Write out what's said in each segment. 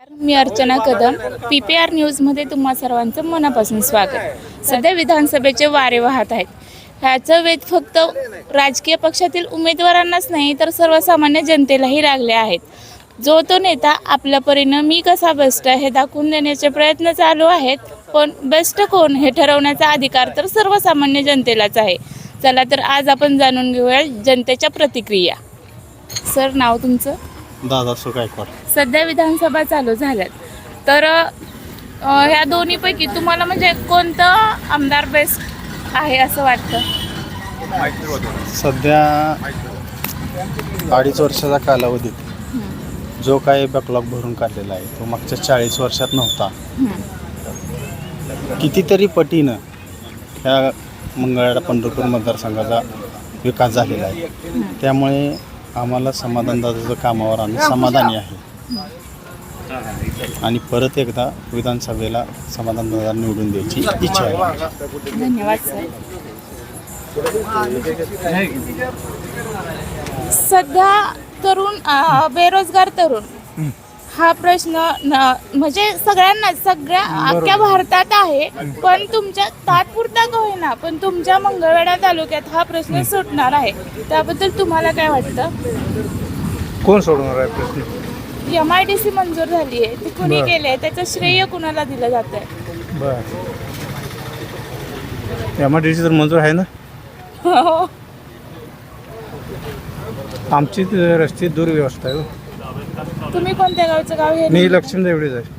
मी Archana Kadam PPR न्यूजमध्ये तुम्हा सर्वांचं मनापासून स्वागत. सध्या विधानसभेचे वारे वाहत आहेत. ह्याचं वेध फक्त राजकीय पक्षातील उमेदवारांनाच नाही तर सर्वसामान्य जनतेलाही लागले आहेत. जो तो नेता आपल्या परीनं मी कसा बेस्ट हे दाखवून देण्याचे प्रयत्न चालू आहेत. पण बेस्ट कोण हे ठरवण्याचा अधिकार तर सर्वसामान्य जनतेलाच आहे. चला तर आज आपण जाणून घेऊया जनतेच्या प्रतिक्रिया. सर, नाव तुमचं? दादा गायकवाड. सध्या विधानसभा चालू झाल्यात तर ह्या दोन्हीपैकी तुम्हाला म्हणजे कोणतं आमदार बेस्ट आहे असं वाटतं? सध्या 2.5 वर्षाचा कालावधीत जो काही बॅकलॉग भरून काढलेला आहे तो मागच्या 40 वर्षात नव्हता. कितीतरी पटीनं ह्या मंगळवेढा पंढरपूर मतदारसंघाचा विकास झालेला आहे. त्यामुळे आम्हाला समाधानदादाचं कामावर आम्ही समाधानी आहे आणि परत एकदा विधानसभेला समाधानदादा निवडून द्यायची इच्छा आहे. धन्यवाद सर. सध्या तरुण बेरोजगार तरुण हा प्रश्न म्हणजे सगळ्या अख्ख्या भारतात आहे. पण तुमच्या तात्पुरता का होईना पण तुमच्या मंगळवेढा तालुक्यात हा प्रश्न सुटणार आहे. त्याबद्दल तुम्हाला काय वाटतं? कोण सोडवणार आहे प्रश्न? MIDC मंजूर झाली आहे, ती कुणी केली आहे, त्याचं श्रेय कुणाला दिलं जात आहे? बर, MIDC तर मंजूर आहे ना. आमची रस्ते दुर्व्यवस्था आहे. तुम्ही कोणत्या गावचं गाव हे? मी लक्ष्मी देवडीच आहे.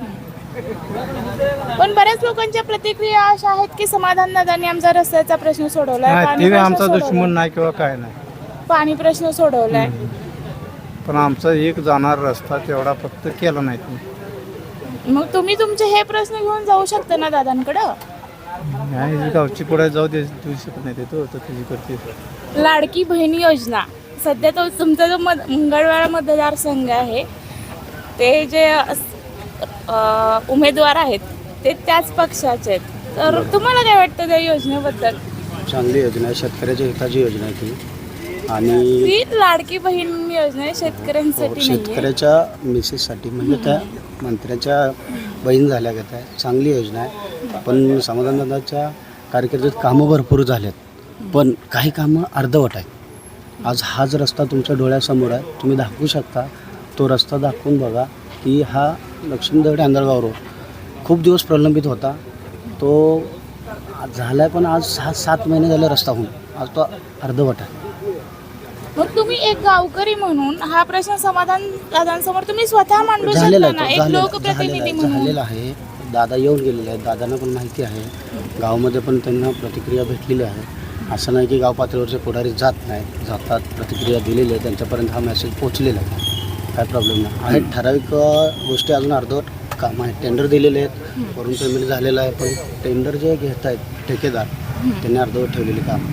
पण बऱ्याच लोकांच्या प्रतिक्रिया अशा आहेत की समाधानदादांनी आमचा रस्त्याचा प्रश्न सोडवलाय, ते आमचा दुश्मन नाही किंवा काय नाही. पाणी प्रश्न सोडवलाय. पण आमचा एक जाणार रस्ता तेवढा फक्त केला नाही तुम्ही. मग तुम्ही तुमचे हे प्रश्न घेऊन जाऊ शकता ना दादांकडं. नाही, गावची पुढे जाऊ देऊ शकत नाही. तो तुझी करते लाडकी बहीण योजना. सध्या तो तुमचा जो मंगळवेढा मतदारसंघ आहे ते जे उमेदवार आहेत ते त्याच पक्षाचे आहेत. तर तुम्हाला काय वाटतं त्या योजनेबद्दल? चांगली योजना आहे, शेतकऱ्याच्या हिताची योजना आहे ती. आणि ती लाडकी बहीण योजना आहे, शेतकऱ्यांसाठी शेतकऱ्याच्या मिसेससाठी म्हणजे त्या मंत्र्याच्या बहीण झाल्या गत आहे. चांगली योजना आहे. पण समाधानदादाच्या कारकिर्दीत कामं भरपूर झालेत, पण काही कामं अर्धवट आहेत. आज हाच रस्ता तुमच्या डोळ्यासमोर आहे, तुम्ही दाखवू शकता. तो रस्ता दाखवून बघा की हा लक्ष्मी देवडी आंधळगाव रोड खूप दिवस प्रलंबित होता. तो झाला आहे, पण आज 6-7 महिने झाले रस्ता होऊन. आज तो अर्धवट आहे. मग तुम्ही एक गावकरी म्हणून हा प्रश्न दादांसमोर तुम्ही स्वतः मांडू शकता ना, एक लोकप्रतिनिधी म्हणून. झालेला आहे. दादा येऊन गेलेले आहेत, दादांना पण माहिती आहे. गावामध्ये पण त्यांना प्रतिक्रिया भेटलेली आहे. असं नाही की गाव पातळीवरचे पुढारी जात नाहीत, जातात, प्रतिक्रिया दिलेली आहे, त्यांच्यापर्यंत हा मेसेज पोचलेला आहे. काय प्रॉब्लेम नाही आहे. ठराविक गोष्टी अजून अर्धवट काम आहे. टेंडर दिलेले आहेत, वरून पेमेंट झालेलं आहे, पण टेंडर जे घेत आहेत ठेकेदार त्यांनी अर्धवट ठेवलेले काम.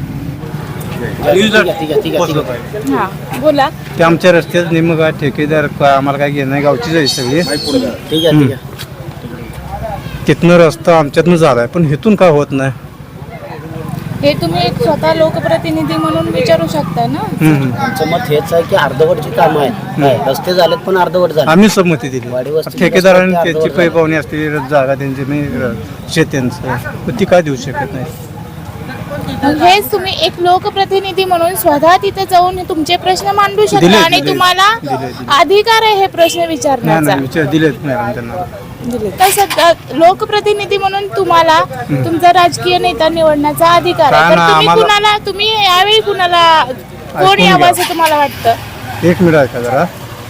ठीक आहे. हां, बोला. ते आमच्या रस्त्यात निम काय ठेकेदार आम्हाला काय घेणं नाही, गावचीच आहे सगळी. ठीक आहे. तिथनं रस्ता आमच्यातनं झाला आहे, पण इथून काय होत नाही. हे तुम्ही एक स्वतः लोकप्रतिनिधी म्हणून विचारू शकता ना. आमचं मत हेच आहे की अर्धवटची कामं आहेत. रस्ते झालेत पण अर्धवट झाले. आम्ही संमती दिली. ठेकेदारांनी त्याची पैपावणी असते, जागा त्यांची शेत्यांचं, ती काय देऊ शकत नाही. हेच तुम्ही एक लोकप्रतिनिधी म्हणून स्वतः तिथे जाऊन तुमचे प्रश्न मांडू शकता आणि तुम्हाला अधिकार आहे हे प्रश्न विचारण्याचा. दिलेत मॅडम त्यांना. तर सध्या लोकप्रतिनिधी म्हणून तुम्हाला तुमचा राजकीय नेता निवडण्याचा अधिकार आहे. तर तुम्ही यावेळी कुणाला कोण यावं असं तुम्हाला वाटतं? एक मिनिट ऐका जरा.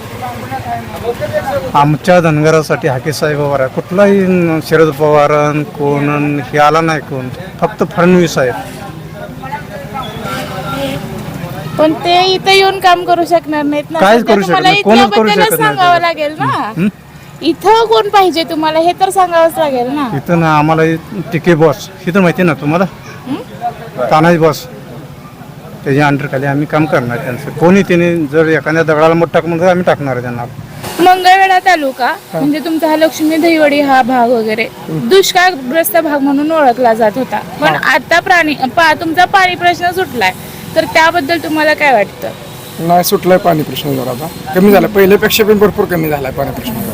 आमच्या धनगरासाठी हाके साहेब पवार आहे. कुठलाही शरद पवार कोण हे आला नाही, कोण फक्त फडणवीस आहे. पण ते इथे येऊन काम करू शकणार नाहीत ना. काय करू शकत नाही, कोणच करू शकत नाही. सांगावं लागेल ना, इथं कोण पाहिजे तुम्हाला हे तर सांगावंच लागेल ना. इथं ना आम्हाला टिके बॉस इथं माहिती ना तुम्हाला, तानाजी बॉस, त्याच्या अंडर खाली आम्ही काम करणार. त्यांचं कोणी त्याने जर एखाद्या दगडाला मत टाक म्हणून आम्ही टाकणार आहे त्यांना. मंगळवेढा तालुका म्हणजे तुमचा हा लक्ष्मी दहिवडी हा भाग वगैरे दुष्काळग्रस्त भाग म्हणून ओळखला जात होता. पण आता तुमचा पाणी प्रश्न सुटलाय, तर त्याबद्दल तुम्हाला काय वाटतं? नाही सुटलाय पाणी प्रश्न जरा आता कमी झाला, पहिल्यापेक्षा पण भरपूर कमी झालाय पाणी प्रश्न.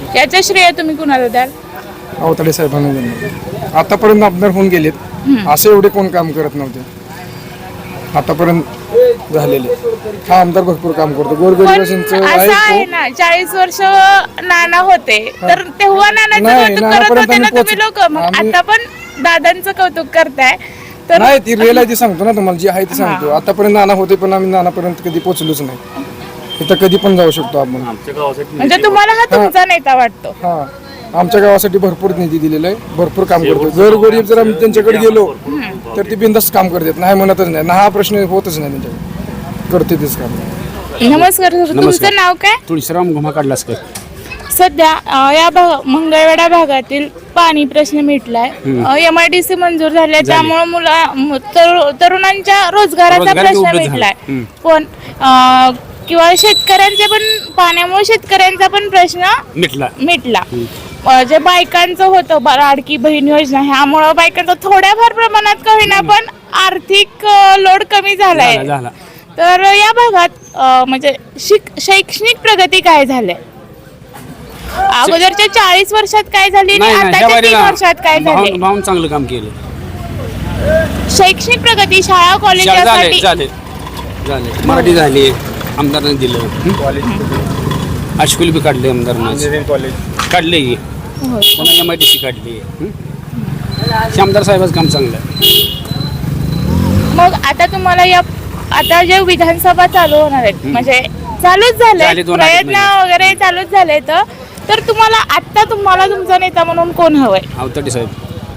याचं श्रेय तुम्ही कुणाला द्याल? अवताडे साहेबांना देणार. आतापर्यंत आमदार होऊन गेलेत, असं एवढे कोण काम करत नव्हते आतापर्यंत झालेले. हा आमदार भरपूर काम करतो. पण गोरगरिबांचं असं आहे आहे ना, 40 वर्ष नाना होते तर तेव्हा नानाचं नाही, कौतुक करत नानापर्यंत होते ना आम्ही तुम्ही लोक, मग आम्ही- आता पण दादांचं कौतुक करताय तर नाही ती रिअल आहे ती सांगतो ना तुम्हाला, जी आहे ती सांगतो. आतापर्यंत नाना होते पण आम्ही नानापर्यंत कधी पोहोचलोच नाही. इथं कधी पण जाऊ शकतो आपण. म्हणजे तुम्हाला हा तुमचा नेता वाटतो? हा आमच्या गावासाठी भरपूर निधी दिलेला आहे, भरपूर काम करतो. जर गरीब जर आम्ही त्यांच्याकडे गेलो तर ते बिंदास्त काम करतात, नाही म्हणतच नाही. हा प्रश्न होतच नाही त्यांच्याकडे, करते तेच काम. नमस्कार सर, तुमचं नाव काय? तुळशीराम घुमा काढलास का? सध्या या मंगळवेढा भागातील पाणी प्रश्न मिटलाय, MIDC मंजूर झाले, त्यामुळे तरुणांच्या रोजगाराचा प्रश्न मिटलाय. पण किंवा शेतकऱ्यांचे पण पाण्यामुळे शेतकऱ्यांचा पण प्रश्न मिटला. जे बायकांचं होतं लाडकी बहीण योजना, ह्यामुळं बायकांचं थोड्याफार प्रमाणात का होईना पण आर्थिक लोड कमी झालाय. तर या भागात म्हणजे शैक्षणिक प्रगती काय झाली? अगोदरच्या 40 वर्षात काय झाली आणि आताच्या 3 वर्षात काय झाले? भाऊन चांगलं काम केलं. शैक्षणिक प्रगती शाळा कॉलेजासाठी झाले मराठी झाली, आमदारांनी दिलं. हायस्कूल बी काढले आमदारांना, काढले पुन्हा MIDC काढली. आमदार साहेबाचं काम चांगलं आहे. मग आता तुम्हाला आता जे विधानसभा चालू होणार आहेत, म्हणजे चालूच झाले 2 प्रयत्न वगैरे चालूच झाले, तर तुम्हाला तुमचा नेता म्हणून कोण हवंय? अवताडे साहेब.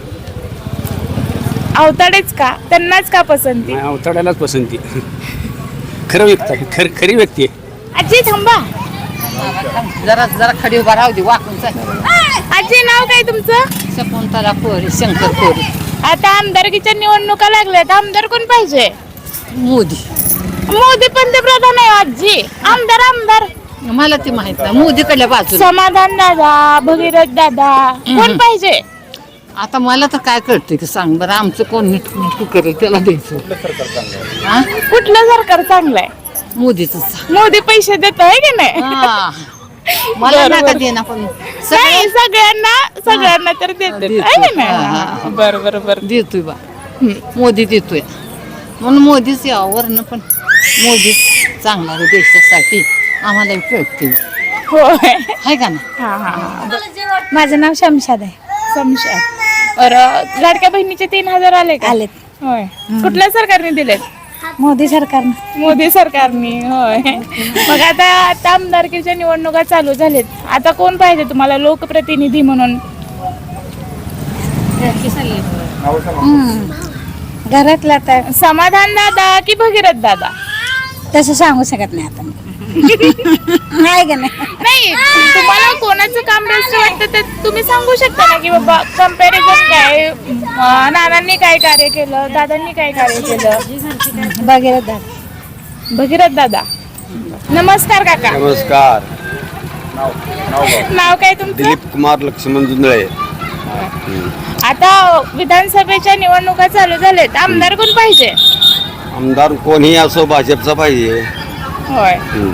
अवताडेच का? त्यांनाच का पसंती? नाही, अवताड्यालाच पसंती. खरं व्यक्ती आहे, खरी व्यक्ती आहे. आजी थांबा, जरा खडी उभा राहू दे, वाकून चाल. आजी नाव काय तुमचं? शकुंतला कोरी, शंकर कोरी. आता आमदारकीच्या निवडणुका लागल्यात, आमदार कोण पाहिजे? मोदी. मोदी पंतप्रधान आहे आजी. आमदार मला ती माहित नाही, मोदीकडल्या बाजूला. समाधान दादा, भगीरथ दादा, कोण पाहिजे? आता मला तर काय कळतंय की सांग बरं, आमचं कोण नीट करेल त्याला द्यायचं. हा? कुठलं सरकार चांगलं आहे? मोदीच. मोदी पैसे देत आहे की नाही? मला नका देना पण नाही, सगळ्यांना तर देतात आहे की नाही? बरं देतोय बा, मोदी देतोय म्हणून मोदीच यावरनं, पण मोदीच चांगला आहे देशासाठी, आम्हाला कळते. होय. आहे का ना? माझं नाव शमशाद आहे. बरं, लाडक्या बहिणीचे 3,000 आले का? आलेत. होय. कुठल्या सरकारने दिलेत? मोदी सरकारनं. मोदी सरकारने. होय. मग आता आमदारकीच्या निवडणुका चालू झालेत, आता कोण पाहिजे तुम्हाला लोकप्रतिनिधी म्हणून? घरातला तर समाधान दादा की भगीरथ दादा? तसं सांगू शकत नाही आता. नाही का नाही? नाही, तुम्हाला कोणाचं काम बेस्ट वाटतं ते तुम्ही सांगू शकता ना, की बाबा कंपॅरिझन काय, नानांनी काय कार्य केलं, दादांनी काय कार्य केलं? भगीरथ दादा. नमस्कार काका. नमस्कार. नाव काय तुमचं? दिलीप कुमार लक्ष्मण जुंदळे. आता विधानसभेच्या निवडणुका चालू झालेत, आमदार कोण पाहिजे? आमदार कोणीही असो भाजपचा पाहिजे. होय.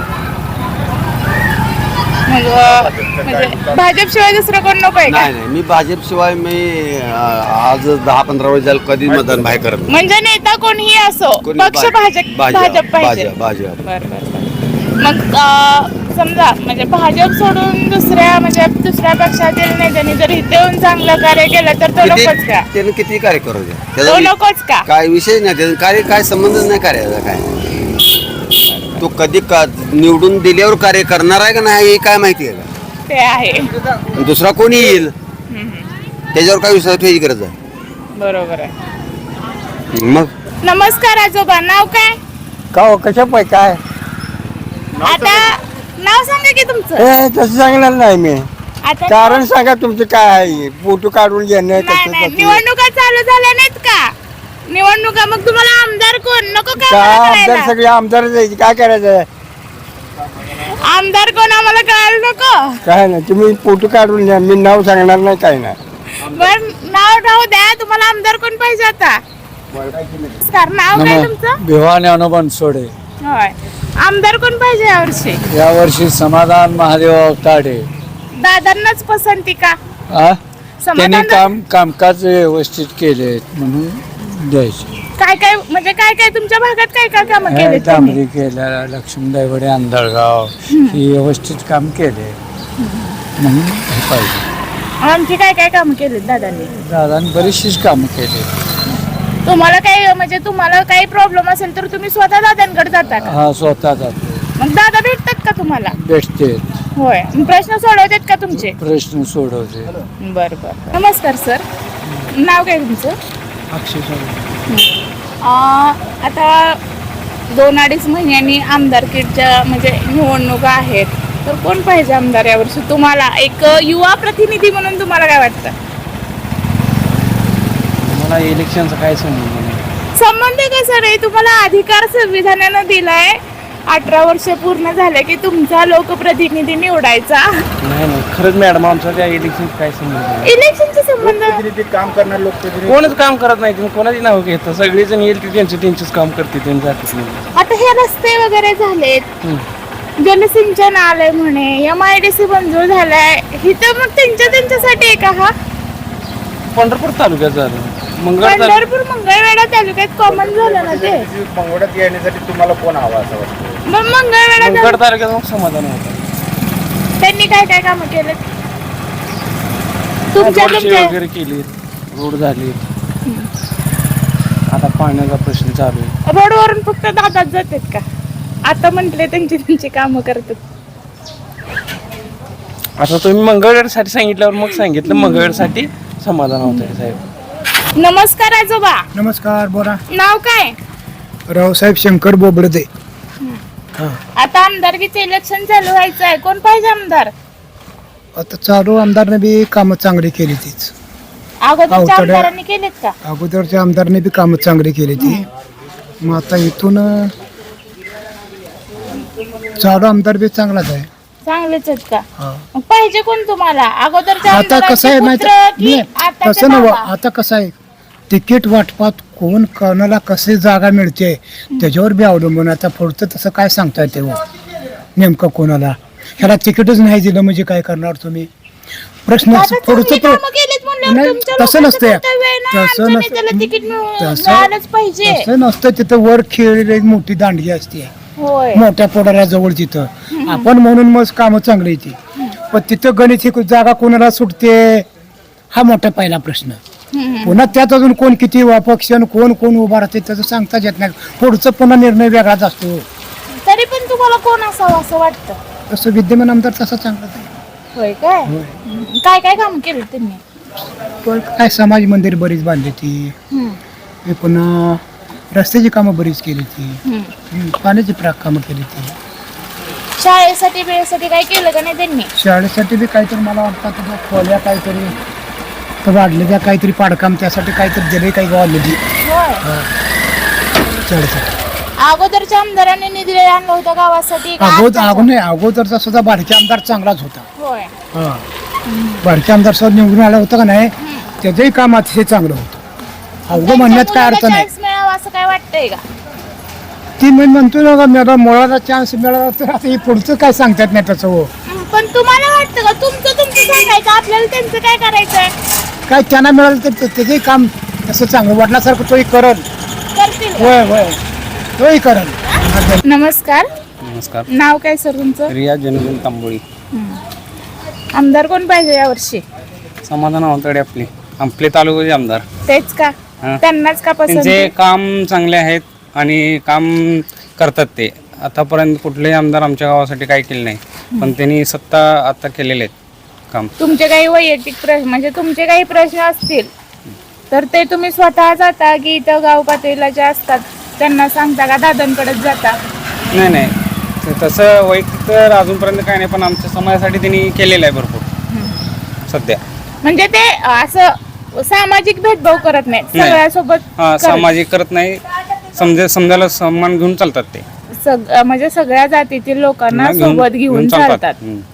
मग म्हणजे भाजपशिवाय दुसरं कोण नको आहे का? नाही, मी भाजपशिवाय आज 10-15 वर्ष झालं कधी मतदान बाहेर करत नाही. म्हणजे नेता कोणीही असो, कोणी पक्ष भाजप पाहिजे. भाजप. बरं. मग समजा म्हणजे भाजप सोडून दुसऱ्या पक्षातील नेत्यांनी जर इथे येऊन चांगलं कार्य केलं तर तो नकोच का? त्यानं किती कार्य करू द्या, तो त्याचा नकोच का? काय विषय नाही, त्याचा कार्य काय संबंधच नाही कार्याचा. काय तो कधी निवडून दिल्यावर कार्य करणार आहे का नाही हे काय माहिती आहे का? ते आहे. दुसरा कोणी येईल त्याच्यावर काय विश्वास ठेवायची गरज आहे? बरोबर आहे. मग नमस्कार आजोबा, नाव काय? का कशा पाय काय आता नाव सांगा की तुमचं. तसं सांगणार नाही मी. आता कारण सांगा तुमचं काय आहे, फोटो काढून घेणं नाही, निवडणुका चालू झाल्या नाहीत का? निवडणुका, मग तुम्हाला आमदार कोण नको का? का आम्हाला आमदार कळायला? सगळे आमदार जायचे, काय करायचं? आमदार कोण आम्हाला कळायला नको? काय नाही, तुम्ही फोटो काढून घ्या, मी नाव सांगणार नाही, काय नाही. बर, नाव राहू द्या. तुम्हाला आमदार कोण पाहिजे आता? सर, नाव काय तुमचं? भिवानी अनुबन सोडे. होय. आमदार कोण पाहिजे यावर्षी? यावर्षी समाधान महादेव अवताडे. दादांनाच पसंती का? त्यांनी समाधान कामकाज व्यवस्थित केले म्हणून द्यायचे. काय काय म्हणजे काय काय तुमच्या भागात काय काय कामं केली तांबरी केल्या, लक्ष्मीदाईवडे, आंधळगाव ही व्यवस्थित काम केले म्हणून हे पाहिजे. आणखी काय काय कामं केली दादांनी? दादांनी बरीचशीच कामं केली. तुम्हाला काय म्हणजे तुम्हाला काही प्रॉब्लेम असेल तर तुम्ही स्वतः दादांकडे जाता का? हा स्वतः जातो, मग दादा भेटतात का तुम्हाला? भेटते, होय. मग प्रश्न सोडवतात का तुमचे? प्रश्न सोडवते. बरं बरं. नमस्कार सर, नाव काय तुमचं? आता 2-2.5 महिन्यांनी आमदारकीच्या म्हणजे निवडणुका आहेत, तर कोण पाहिजे आमदार यावर्षी तुम्हाला? एक युवा प्रतिनिधी म्हणून तुम्हाला काय वाटतं? मला इलेक्शनचा काय संबंध नाही. संबंध कसा नाही, तुम्हाला अधिकार संविधानानं दिलाय. 18 वर्ष पूर्ण झाले की तुमचा लोकप्रतिनिधी निवडायचा. नाही खरंच मॅडम, आमचा त्या इलेक्शनचा काय संबंध नाही. इलेक्शनचा संबंध काम करणार लोकप्रतिनिधी कोणच काम करत नाही, तुम्ही कोणाची नाव घेतं. सगळेजण येईल ते त्यांचंच काम करते, त्यांनी जातच नाही. आता हे रस्ते वगैरे झालेत, जलसिंचन आलंय म्हणे, MIDC मंजूर झालाय, इथं मग त्यांच्यासाठी आहे का हा? पंढरपूर तालुक्यात झालं, पंढरपूर मंगळवेढा तालुक्यात कॉमन झालं ना ते. मंगळवाड्यात येण्यासाठी तुम्हाला कोण हवा असं वाटतं? मग मंगळवेढा तालुक्यात मग समाधान होतं. त्यांनी काय काय कामं केलेत तुमच्या? वगैरे केली, रोड झाली, आता पाण्याचा प्रश्न चालू आहे. रोडवरून फक्त दादाच जातात का? आता म्हटले त्यांची कामं करतात. आता तुम्ही मंगळवेढ्यासाठी सांगितल्यावर मग सांगितलं मंगळवेढ्यासाठी समाधान होत आहे साहेब. नमस्कार आजोबा. नमस्कार, बोला. नाव काय? रावसाहेब शंकर बोबडदे. आता आमदारकीचे इलेक्शन चालू व्हायचं आहे, कोण पाहिजे आमदार? आता चालू आमदारने बी कामं चांगली केली तीच. अगोदरच्या अवतड्या- आमदारांनी केलेत का? अगोदरच्या आमदारने बी कामं चांगली केली ती. मग आता इथून चालू आमदार बी चांगलाच आहे. चांगलेच आहेत का? हा. मग पाहिजे कोण तुम्हाला? अगोदरच्या आता कसं आहे माहिती आमदारांचे पुत्र की नाही, आताचे तसं नव्हं. बाबा? आता कसं आहे, तिकीट वाटपात कोण कोणाला कशी जागा मिळते त्याच्यावर बी अवलंबून. आता पुढचं तसं काय सांगता येते हो नेमकं कोणाला? ह्याला तिकीटच नाही दिलं म्हणजे काय करणार तुम्ही? प्रश्न आता चांगली पुढचं कामं केलीत म्हणल्यावर नाही, तुमच्या तसं लोकांचं नसतंय. कर्तव्य आहे ना, तसं आमच्या नसतं. नेत्याला तिकीट तसं- मिळालंच पाहिजे. तसं नसतं. तिथं वर खेळलेली एक मोठी दांडगी असते होय. मोठ्या पोडाऱ्याजवळ. तिथं आपण म्हणून मग कामं चांगली येते, पण तिथं गणित ही जागा कोणाला सुटते हा मोठा पहिला प्रश्न. पुन्हा त्यात अजून कोण किती पक्ष कोण उभा राहते त्याचं सांगताच येत नाही. पुढचं पुन्हा निर्णय वेगळाच असतो. तरी पण तुम्हाला कोण असावं असं वाटतं? तसं विद्यमान आमदार तसा चांगलाच आहे. होय काय? काय काय काम केलं त्यांनी? पण काय समाज मंदिर बरीच बांधली ती, हे पुन्हा रस्त्याची कामं बरीच केली ती, पाण्याची कामं केली ती. शाळेसाठी वेळेसाठी काय केलं का नाही त्यांनी? शाळेसाठी बी काहीतरी मला वाटतं त्या खोल्या काहीतरी तर वाढले त्या काहीतरी पाडकाम त्यासाठी काहीतरी दिले काही गावाला होय. शाळेसाठी. अगोदरच्या आमदारांनी निधी आणला होता गावासाठी का आत्ताचा? अगोदरचा सुद्धा बारके आमदार चांगलाच होता. होय. बारके आमदार सुद्धा निवडून आला होता का नाही, त्याचंही काम अतिशय चांगलं होतं. अवघं म्हणण्यात काय अर्थ नाही. चान्स मिळावा असं काय वाटतंय का? ती मी म्हणतो ना का मला मुळाला चान्स मिळाला तर आता हे पुढचं काय सांगतात नाही त्याचं हो. पण तुम्हाला वाटतं का तुमचं सांगायचं आपल्याला त्यांचं काय करायचंय? काय त्यांना मिळालं तर त्याचंही काम तसं चांगलं वाटल्यासारखं तोही करल. करतील का? होय होय तोही करल. नमस्कार. नमस्कार. नाव काय सर तुमचं? रिया जनगण तांबोळी. आमदार कोण पाहिजे यावर्षी? समाधान होतं आपले तालुक्याचे आमदार. तेच का? हा. त्यांनाच का पसंत? त्यांचे काम चांगले आहेत आणि काम करतात ते. आतापर्यंत कुठलेही आमदार आमच्या गावासाठी काही केले नाही, पण त्यांनी सत्ता आता केलेले आहेत काम. तुमचे काही वैयक्तिक प्रश्न म्हणजे तुमचे काही प्रश्न असतील तर ते तुम्ही स्वतः जाता की इथं गाव पातळीला जे असतात त्यांना सांगता का दादांकडेच जाता? नाही ते तसं वैयक्तिक तर अजूनपर्यंत काही नाही, पण आमच्या समाजासाठी त्यांनी केलेलं आहे भरपूर सध्या. म्हणजे ते असं सामाजिक भेदभाव करत नाही, नाही. सगळ्यासोबत सामाजिक करत नाही, समजायला सन्मान घेऊन चालतात ते. म्हणजे सगळ्या जातीतील लोकांना सोबत घेऊन चालतात.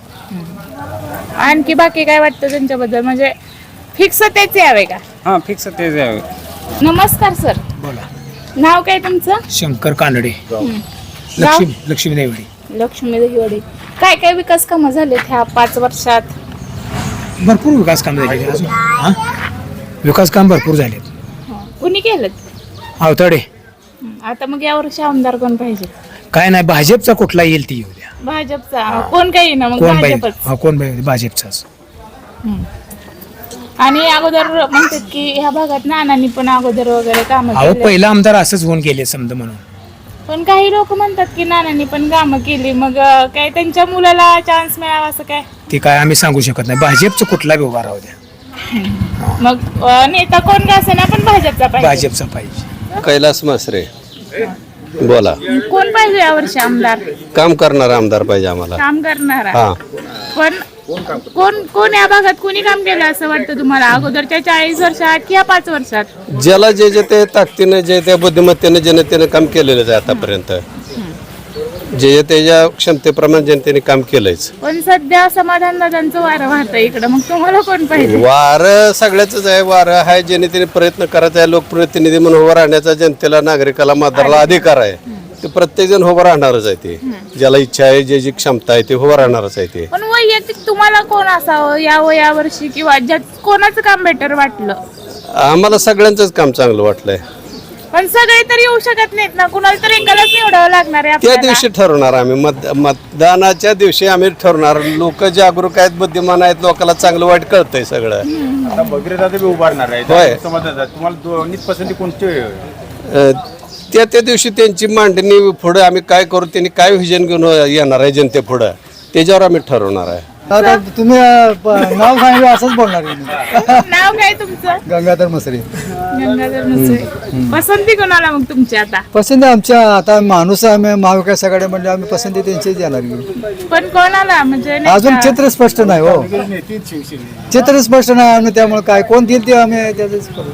आणखी बाकी काय वाटतं त्यांच्याबद्दल? म्हणजे फिक्स तेच यावे का? हां फिक्स तेच यावे. नमस्कार सर. बोला. नाव काय तुमचं? शंकर कानडे. गाव? लक्ष्मी देवडी. लक्ष्मी देवडी. काय काय विकास कामं झालेत ह्या 5 वर्षात? भरपूर विकास काम झाले अजून हां विकास काम भरपूर झालेत. कुणी केलं अवताडे आता मग यावर्षी आमदार कोण पाहिजे? काय नाही भाजपचा कुठला येईल ती येऊ द्या. भाजपचा कोण काही ना मग कोण भाजपच. पाहिजे कोण पाहिजे भाजपचाच. आणि अगोदर म्हणतात की ह्या भागात नानांनी पण अगोदर वगैरे काम अहो पहिला आमदार असंच होऊन गेले समजा म्हणून. पण काही लोक म्हणतात की नानांनी पण कामं केली मग काय त्यांच्या मुलाला चान्स मिळावा असं काय? ते काय आम्ही सांगू शकत नाही. भाजपचं कुठला बी उभा राहू द्या. मग नेता कोण का असेना पण भाजपचा पाहिजे. भाजपचा पाहिजे. कैलास मसरे बोला. कोण पाहिजे यावर्षी आमदार? काम करणारा आमदार पाहिजे आम्हाला. काम करणारा. हा पण कोण या भागात कोणी काम केलं असं वाटतं तुम्हाला अगोदरच्या 40 वर्षात किंवा 5 वर्षात? ज्याला जे जे ते ताकदीने जे त्या बुद्धिमत्तेने जनतेने काम केलेलंच आहे आतापर्यंत. जे त्याच्या क्षमतेप्रमाणे जनतेने काम केलंच. पण सध्या समाधान दादांचं वारं वाहतं इकडं मग तुम्हाला कोण पाहिजे? वारं सगळ्याच आहे. वारं आहे जनतेने प्रयत्न करायचा आहे. लोकप्रतिनिधी म्हणून उभं राहण्याचा जनतेला नागरिकाला मतदाराला अधिकार आहे. ते प्रत्येक जण उभं राहणारच आहे. ते ज्याला इच्छा आहे जे जी क्षमता आहे ते उभं राहणारच आहे. ते पण वैयक्तिक तुम्हाला कोण असावं या वर्षी किंवा ज्यात कोणाचं काम बेटर वाटलं? आम्हाला सगळ्यांचंच काम चांगलं वाटलंय. पण सगळे तर येऊ शकत नाहीत ना कुणाला तर एकालाच निवडावं लागणार आहे त्या आपल्याला. दिवशी ठरवणार आम्ही मतदानाच्या दिवशी आम्ही ठरवणार. लोक जागरूक आहेत बुद्धिमान आहेत लोकांना चांगलं वाईट कळतंय सगळं. आता भगीरथ बी उभारणार आहे. होय. तुम्हाला दोन्ही पसंती कोणती? त्या दिवशी त्यांची मांडणी पुढे आम्ही काय करू त्यांनी काय व्हिजन घेऊन येणार आहे जनते पुढं त्याच्यावर आम्ही ठरवणार आहे. तुम्ही नाव सांगितलं असंच बोलणार. नाव काय तुमचं? गंगाधर मसरे. गंगाधर मुसळे. पसंती कोणाला मग तुमची आता? पसंत आमच्या आता माणूस आम्ही महाविकास आघाडी म्हणजे आम्ही पसंती त्यांचीच देणार. पण कोणाला म्हणजे नाही अजून का? चित्र स्पष्ट नाही हो. चित्र स्पष्ट नाही आम्ही त्यामुळे काय कोण देईल ते आम्ही त्याच करू.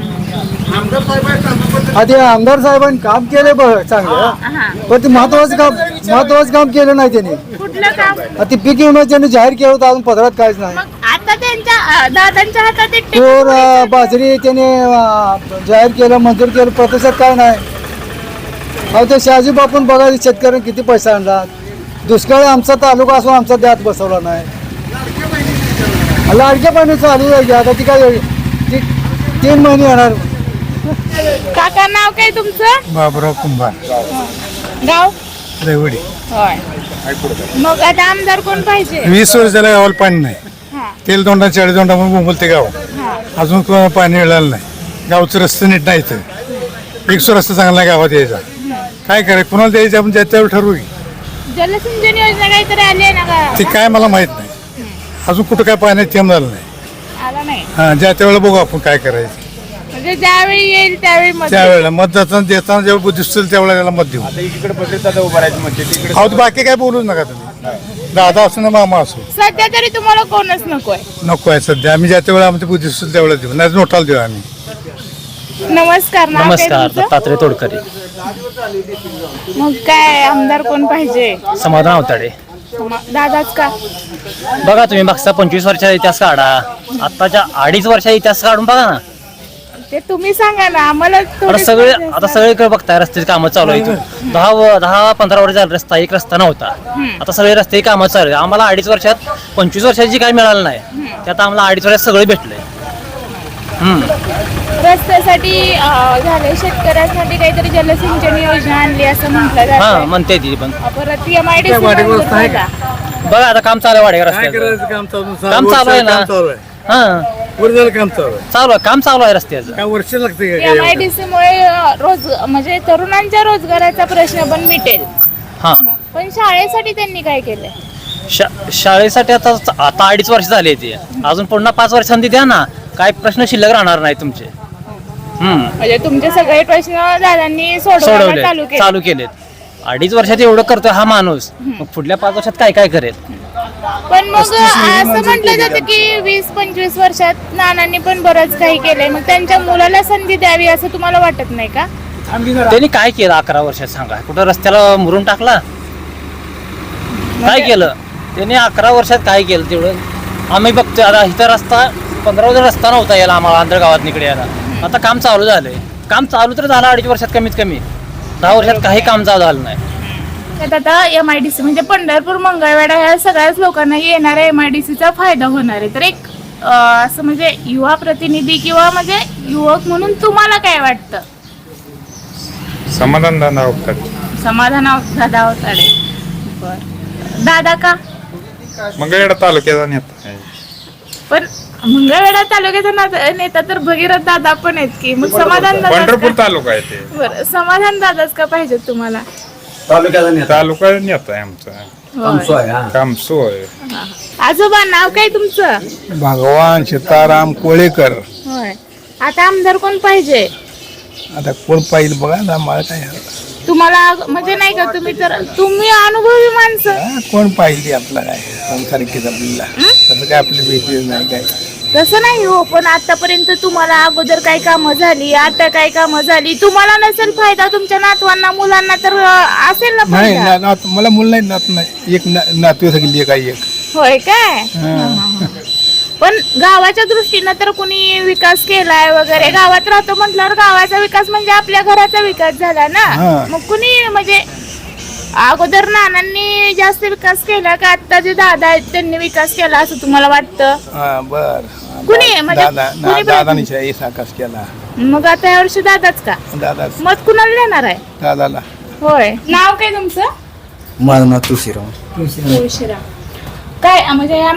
आधी आमदार साहेबांनी काम केले बघ चांगलं हा. पण ते महत्वाचं काम केलं नाही त्यांनी. कुठलं काम? आता ते पीक विमा त्यांनी जाहीर केलं होतं अजून पदरात काहीच नाही. मग आता त्यांच्या दादांच्या हातात ते तूर बाजरी त्याने जाहीर केलं मंजूर केलं प्रतिसाद काय नाही. अहो ते शहाजी बापून बघा शेतकऱ्यांनी किती पैसा आणला. दुष्काळ आमचा तालुका असून आमचा द्यात बसवला नाही. लाडक्या पाणी चालू आहे आता ती काय 3 महिने येणार. काका नाव काय तुमचं? बाबुराव कुंभार गाव? रेवडी. होय. मग आता आमदार कोण पाहिजे? 20 वर्ष झालं गावाला पाणी नाही. हा. तेल दोंडा 40 दोंडा म्हणून बोलते गाव. हा. अजून कोणाला पाणी मिळालं नाही. गावचं रस्ते नीट नाही इथं. एक रस्ता चांगला आहे गावात यायचा. काय करायचं कुणाला द्यायचं आपण त्याच्यावर ठरवू की. जलसिंचन योजना काहीतरी आली आहे ना का? ते काय मला माहित नाही. अजून कुठं काय पाण्यात थेंब झालं नाही. आला नाही. हा ज्या त्यावेळेला बघू आपण काय करायचं. म्हणजे ज्यावेळी येईल त्यावेळी मत त्यावेळेला मत जाताना देताना जेव्हा बुद्धी दिसतील त्यावेळेला त्याला मत देऊ. इकडे बदलतात उभारायचं म्हणजे अहो तर बाकी काय बोलूच नका तुम्ही. दादा असो ना मामा असो सध्या तरी तुम्हाला कोणच नकोय. नको आहे सध्या. आम्ही ज्या त्यावेळेला आमची बुद्धी दिसतील त्यावेळेला देऊ नाही नोटाला देऊ आम्ही. नमस्कार. नाव काय नमस्कार तुमचं? दत्तात्रय तोडकरी. मग काय आमदार कोण पाहिजे? समाधान अवताडे. दादाच का? बघा तुम्ही मागचा 25 वर्षाचा इतिहास काढा. आत्ताच्या 2.5 वर्षाचा इतिहास काढून बघा ना. ते तुम्ही सांगा ना आम्हाला. आता सगळे आता सगळीकडे बघताय रस्त्याची कामं चालू आहे. 10-15 वर्ष झालं रस्ता एक रस्ता नव्हता. आता सगळे रस्ते कामं चालू आहे. आम्हाला 2.5 वर्षात 25 वर्षाची काय मिळालं नाही त्यात आम्हाला 2.5 वर्षात सगळे भेटलंय. रस्त्यासाठी झाले शेतकऱ्यांसाठी काहीतरी जलसिंचन योजना आणली असं म्हटलं हा जातं. म्हणते ती पण. परत MIDC बघा आता काम चालू आहे वाडेगाव रस्त्याचं. काम चालू आहे ना. हा चालू आहे काम चालू आहे रस्त्याचं. वर्ष लागते MIDC मुळे म्हणजे तरुणांच्या रोजगाराचा प्रश्न पण मिटेल. हा पण शाळेसाठी त्यांनी काय केलंय? शाळेसाठी आता 2.5 वर्ष झाली ते. अजून पुन्हा 5 वर्ष संधी द्या ना. काय प्रश्न शिल्लक राहणार नाही तुमचे. म्हणजे तुमचे सगळे प्रश्न दादांनी सोडवायला चालू केलेत. 2.5 वर्षात एवढं करतोय हा माणूस मग पुढल्या 5 वर्षात काय काय करेल. पण मग असं म्हटलं जातं की 20-25 वर्षात नानांनी पण बरंच काही केलंय मग त्यांच्या मुलाला संधी द्यावी असं तुम्हाला वाटत नाही का? त्यांनी काय केलं 11 वर्षात सांगा. कुठं रस्त्याला मुरून टाकला? काय केलं त्यांनी 11 वर्षात? काय केलं तेवढं आम्ही बघतोय. आता इथं रस्ता 15 वर्ष रस्ता नव्हता यायला आम्हाला आंध्रगावात निकडे यायला. आता काम चालू झालंय. काम चालू तर झालं 2.5 वर्षात कमीत कमी. 10 वर्षात काही काम झालं नाही. आता MIDC म्हणजे पंढरपूर मंगळवेढा ह्या सगळ्याच लोकांना येणाऱ्या MIDCचा फायदा होणार आहे. तर एक असं म्हणजे युवा प्रतिनिधी किंवा म्हणजे युवक म्हणून तुम्हाला काय वाटतं? समाधान दादा समाधान दादा अवताडे. बर, दादा का? मंगळवेढा तालुक्याचा नेता आहे. पण मंगळवेढा तालुक्याचा नेता तर भगीरथ दादा पण आहेत की, मग समाधान पंढरपूर दादा तालुका आहे ते. बरं, समाधान दादाच का पाहिजे तुम्हाला? तालुका नेता आहे आमचा. कामसू आहे. आजोबा नाव काय तुमचं? भगवान सीताराम कोळेकर. होय, आता आमदार कोण पाहिजे आता कोण पाहिजे बघा ना, मला काय तुम्हाला? म्हणजे नाही का, तुम्ही अनुभवी माणसं, कोण पाहिजे आपला काय संसारिकीच आपल्याला तसं काय आपली भेटी नाही काय. तसं नाही हो, पण आतापर्यंत तुम्हाला अगोदर काय कामं झाली, आता काय कामं झाली, तुम्हाला नसेल फायदा, तुमच्या नातवांना मुलांना तर असेल ना नाही फायदा. मला मुलं नाही, नात नाही. एक नातू सगळी काय एक. होय काय? पण गावाच्या दृष्टीनं तर कुणी विकास केलाय वगैरे, गावात राहतो म्हटल्यावर गावाचा विकास म्हणजे आपल्या घराचा विकास झाला ना. मग कुणी म्हणजे अगोदर नानांनी जास्त विकास केला का आता जे दादा आहेत त्यांनी विकास केला असं तुम्हाला वाटतं? बर कुणी म्हणजे कुणी दादानी साकास केला. मग आता या वर्षी दादाच का? दादा मत कुणाला देणार आहे? दादाला. होय, नाव काय तुमचं? माझं नाव तुळशीराम. तुळशीराम. काय म्हणजे या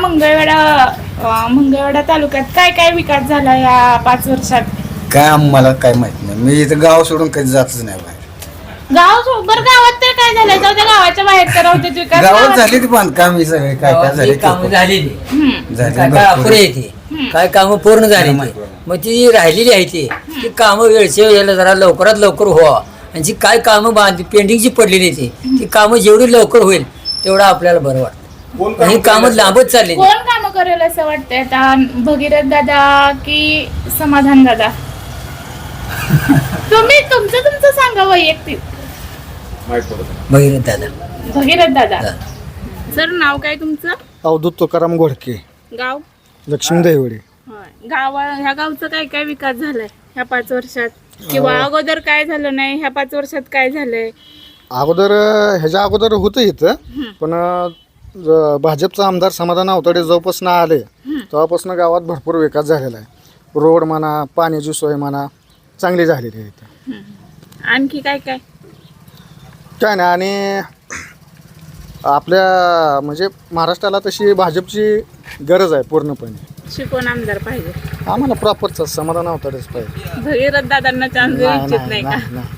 मंगळवेढा तालुक्यात काय काय विकास झाला या 5 वर्षात? काय आम्हाला काय माहित नाही, मी इथं गाव सोडून कधी जातच नाही बाहेर. बरं गावात तर काय झालंय? जाऊ द्या, गावाच्या बाहेर तर होते विकास. गावात झाली ती बांधकाम ही सगळे काय काय झाले कामं झालेली काय झाले अपुरे येते, काय कामं पूर्ण झाली मग ती राहिलेली आहे ती कामं वेळच्या वेळेला जरा लवकरात लवकर व्हावं, आणि जी काय कामं पेंडिंगची पडलेली ती कामं जेवढी लवकर होईल तेवढं आपल्याला बरं वाटतं. ही कामं लांबच चालली. कोण कामं करेल असं वाटतंय आता? भगीरथ दादा की समाधान दादा? तुम्ही तुमचं सांगा वैयक्तिक. भगीरथ दादा. सर, नाव काय तुमचं? अवधूत तुकाराम घोडके, गाव? लक्ष्मी दैवडे. ह्या गावचा काय काय विकास झालाय ह्या 5 वर्षात, किंवा अगोदर काय झालं नाही, ह्या 5 वर्षात काय झालंय? अगोदर ह्याच्या अगोदर होतं इथं, पण भाजपचा आमदार समाधान अवताडे जेव्हापासून आले तेव्हापासून गावात भरपूर विकास झालेला आहे. रोड म्हणा, पाण्याची सोय म्हणा चांगली झालेली आहे इथं. आणखी काय काय? काय नाही, आणि आपल्या म्हणजे महाराष्ट्राला तशी भाजपची गरज आहे पूर्णपणे. कोण आमदार पाहिजे? आम्हाला प्रॉपरचा समाधान अवताडेच पाहिजे. भगीरथ दादांना चान्स देऊ इच्छित नाही का? नाही